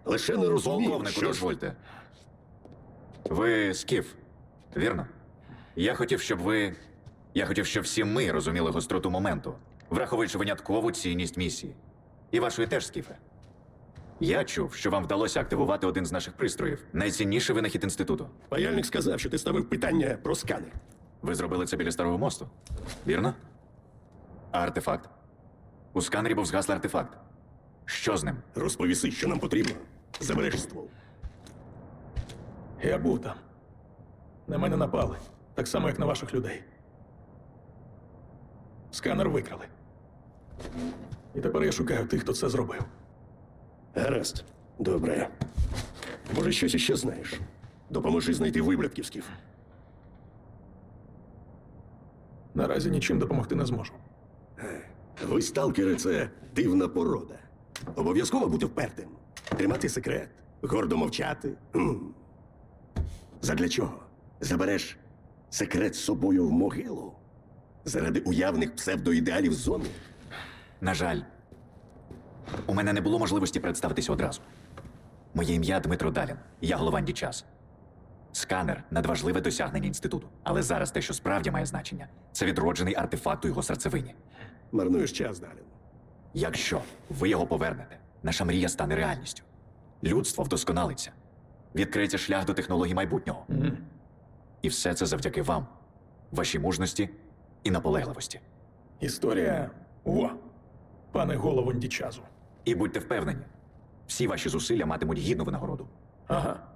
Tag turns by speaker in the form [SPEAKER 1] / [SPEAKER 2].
[SPEAKER 1] Лише не розумію,
[SPEAKER 2] Полковнику,
[SPEAKER 1] що ж...
[SPEAKER 2] дозвольте. Ви скіф, вірно? Я хотів, щоб всі ми розуміли гостроту моменту, враховуючи виняткову цінність місії. І вашої теж, скіфе. Я чув, що вам вдалося активувати один з наших пристроїв. Найцінніший винахід інституту.
[SPEAKER 1] Паяльник сказав, що ти ставив питання про сканер.
[SPEAKER 2] Ви зробили це біля Старого мосту, вірно? А артефакт? У сканері був згаслий артефакт. Що з ним?
[SPEAKER 1] Розповіси, що нам потрібно. Забереш ствол.
[SPEAKER 3] Я був там. На мене напали. Так само, як на ваших людей. Сканер викрали. І тепер я шукаю тих, хто це зробив.
[SPEAKER 1] Гаразд. Добре. Може, щось іще знаєш? Допоможи знайти виблядків, Скіф.
[SPEAKER 3] Наразі нічим допомогти не зможу.
[SPEAKER 1] Ви, сталкери, це дивна порода. Обов'язково бути впертим. Тримати секрет. Гордо мовчати. Задля чого? Забереш секрет з собою в могилу? Заради уявних псевдоідеалів зони?
[SPEAKER 2] На жаль, у мене не було можливості представитися одразу. Моє ім'я Дмитро Далін, я голова Дічас. Сканер – надважливе досягнення інституту. Але зараз те, що справді має значення, це відроджений артефакт у його серцевині.
[SPEAKER 1] Марнуєш час, Далін.
[SPEAKER 2] Якщо ви його повернете, наша мрія стане реальністю. Людство вдосконалиться. Відкриється шлях до технологій майбутнього. І все це завдяки вам, вашій мужності і наполегливості.
[SPEAKER 3] Історія. Пане голову Дічазу.
[SPEAKER 2] І будьте впевнені, всі ваші зусилля матимуть гідну винагороду.
[SPEAKER 3] Ага.